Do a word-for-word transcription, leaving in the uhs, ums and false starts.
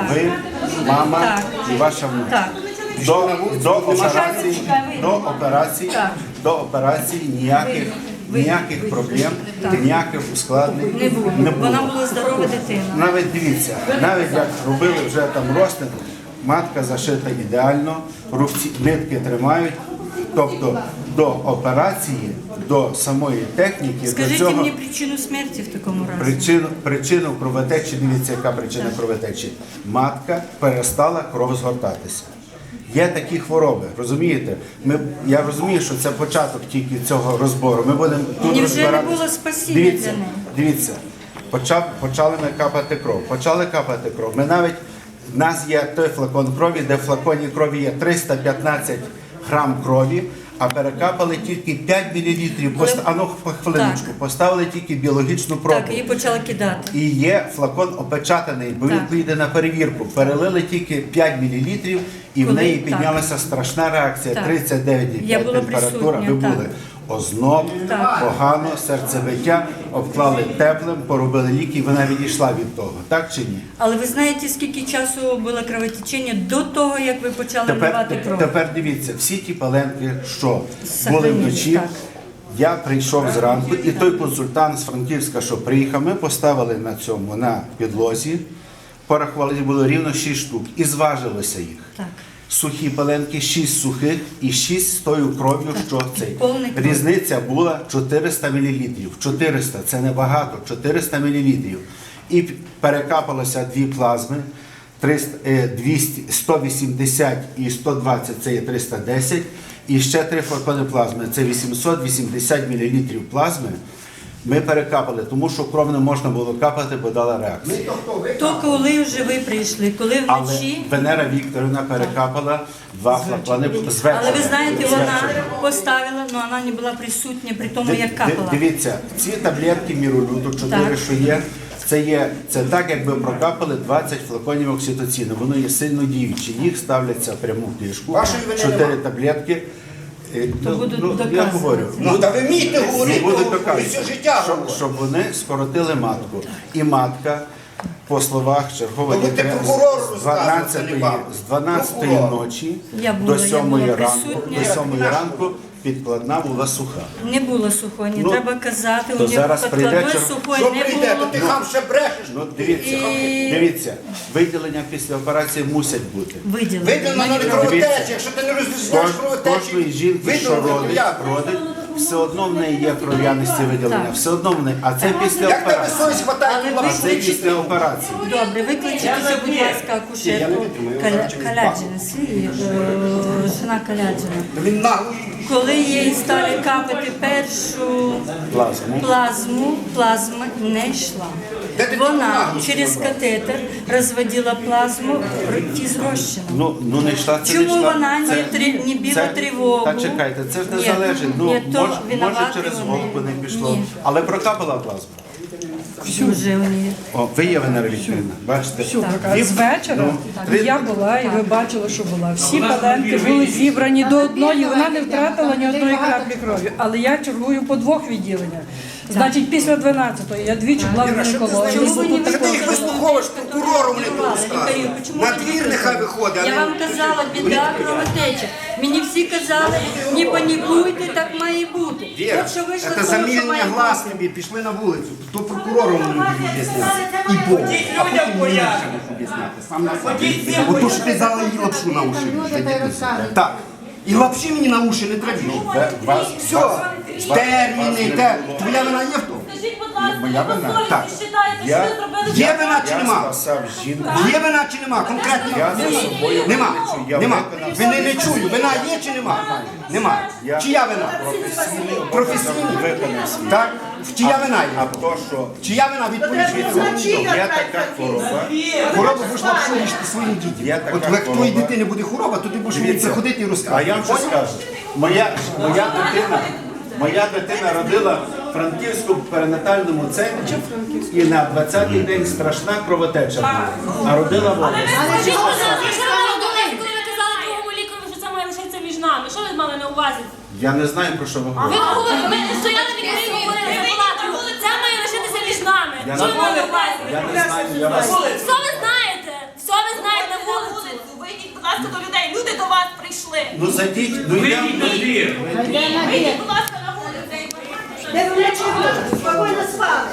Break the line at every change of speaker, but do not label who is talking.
ви, мама
Так.
і ваша внучка.
Так.
До, до операції,
Чекай,
до операції,
Так.
до операції ніяких, ніяких проблем, ніяких ускладнень
Не було.
не було.
Вона була здорова дитина.
Навіть дивіться, навіть як робили вже там розтин, матка зашита ідеально, рубці, нитки тримають. Тобто до операції, до самої техніки,
Скажіть
до цього
мені причину смерті в такому разі.
причину, причину кровотечі, дивіться, яка причина кровотечі. Матка перестала кров згортатися. Є такі хвороби, розумієте? Ми, я розумію, що це початок тільки цього розбору. Ми будемо тут
Невже не
розбиратися.
було спасіння
Дивіться,
для неї?
дивіться, почав, почали ми капати кров. Почали капати кров. Ми навіть, в нас є той флакон крові, де в флаконі крові є триста п'ятнадцять грам крові, а перекапали тільки п'ять мілілітрів. Пост... А ну, по хвилиночку,
Так.
поставили тільки біологічну пробу.
Так, її почали кидати.
І є флакон опечатаний, бо він
Так.
поїде на перевірку. Перелили тільки п'ять мілілітрів, і в
Коли-
неї
так.
піднялася страшна реакція,
Так.
тридцять дев'ять і
Я
п'ять
була
температура. Ви
присутня,
були.
так.
Озноб,
Так.
погано, серцебиття, обклали теплим, поробили ліки, і вона відійшла від того. Так чи ні?
Але ви знаєте, скільки часу було кровотечення до того, як ви почали
Тепер,
вливати кров?
тепер дивіться, всі ті паленки, що були
Сохранились,
вночі,
так.
я прийшов зранку, і той консультант з Франківська, що приїхав, ми поставили на цьому, на підлозі, порахували, було рівно шість штук, і зважилося їх.
Так.
Сухі паленки, шість сухих і шість з тою кров'ю, що цей.
повний кров.
Різниця була чотириста мілілітрів. чотириста – це небагато, чотириста мілілітрів. І перекапалося дві плазми, триста, е, двісті, сто вісімдесят і сто двадцять – це є триста десять. І ще три флакони плазми, це вісімсот вісімдесят мілілітрів плазми. Ми перекапали, тому що кров не можна було капати, бо дала реакцію.
То коли вже ви прийшли, коли
Але
вночі,
Венера Вікторівна перекапала два флакони з вечора.
але ви знаєте,
З
вона
вечора.
поставила, але вона не була присутня при тому,
Ди-
як
ди-
капала.
Дивіться, ці таблетки міролюду, чотири,
Так.
що є, це є, це так, якби прокапали двадцять флаконів окситоцину. Воно є сильно діюче. Їх ставляться прямо в кишку, чотири таблетки. Е, ну,
будуть
ну, я
доказувати.
говорю,
Ну, та ви вмієте говорити,
будуть
ви
доказувати,
все життя
щоб,
говорите.
щоб вони скоротили матку. І матка, по словах чергової
Ну, ви
лікаря,
прокурору
з
розказуєте,
дванадцятої,
не вам.
з дванадцятої
Прокурор.
ночі
Я була,
до
я
сьомої
була
ранку,
присутня.
до сьомої ранку підкладна була суха.
Не було сухої, не
Ну,
треба казати,
то
у нього
зараз прийде
підкладної
чер-
сухої
Що
не
прийде, то
було.
ти хам ще брешеш.
Ну, дивіться,
І-
дивіться, виділення після операції мусять бути.
Виділено.
Видно на кровотечі, якщо ти не розрізняєш
Кож-
кровотечі,
Кожної жінки, що
видно
родить,
як.
родить, все одно в неї є кров'янисті виділення,
Так.
все одно в неї, а це після
Як тебе
операції.
совість хватає
Але
ту
А
лапшу?
це після операції.
Добре, викличте, будь ласка, акушерку Каля- Каляджина, свій, е, жена Каляджина.
Він нагло.
Коли їй стали капати першу
Плазму.
плазму, плазма не йшла.
Де ти
Вона
нагло
через катетер розводила плазму ті з розчином.
Ну, ну не йшла, це
Чому
не йшла.
вона не
Це-
три- не біла
це-
тривогу?
Та чекайте, це ж не
Ні,
залежить. Ну,
ні, то
може, може
винуваті
через
вони.
голку не пішло.
Ні.
Але прокапала плазму.
Вже у неї.
О, ви є Венера Вікторівна, бачите?
Така, з вечора
Ну, три-
я була, і ви бачили, що була. Всі паленки були зібрані до одної, вона не втратила ні одної краплі крові. Але я чергую по двох відділеннях. Значить, після дванадцятої я двічі була в гінекології.
Чому ви не
Що ти їх вислуховуєш, прокурору мені тут розказує.
Лікарю, чому
На
ви не
двір нехай виходить, а
Я
не...
вам казала, біда кровотеча. Мені всі казали, не панікуйте, так має бути.
Віра,
От що вийшло з
це
того, що
замілення
має
глаз
бути.
тобі, пішли на вулицю. То прокурору мені будуть об'ясняти. І Богу. А потім мені ще будуть об'ясняти. Сам на собі. Ото що ти дала їй лапшу на уші. Так. І лапші мені на уші не треба.
Вас,
Все. Терміни, те. Твоя вина є в тому?
Скажіть, будь ласка,
Моя
ви
вина?
по совісті
Так.
вважаєте, що
Я-
ви зробили
Є вина чи
я
нема?
спасав жінку.
Є вина чи нема? Конкретно
Я за собою
нема.
виключу, я
Нема.
виконав
Вини не чую. Вина є чи нема? Нема.
Я
Чия вина?
професійний
Професійний.
виконав свій.
Так? В чия вина
А
є?
то, що
Чия вина відповідь?
є така хвороба,
Хвороба будеш лапшу їсти своїм дітям.
Є така
От як твоїй
хвороба.
дитини буде хвороба, то ти будеш мені
Дивіться,
приходити і
а
розказувати.
я вам що скажу, моя, моя дитина, моя дитина родила в Франківському перинатальному центрі і на двадцятий день страшна кровотеча була, а родила в області.
Скажіть, будь ласка, що ви мали на увазі, коли ви казали другому лікарю, що це має лишитися між нами? Що ви мали на увазі?
Я не знаю, про що ви
Ви
говорите.
говорите, ми стояли лікарі і говорили за палатою. Це має лишитися між нами.
Я
Що ви
не-
мали на увазі?
Я не знаю, я вас...
Все ви знаєте, все ви пішли.
Ну зайдіть, ну йдемо.
Вийдіть, будь ласка, на вулицю.
Де ви вночі спокійно спали?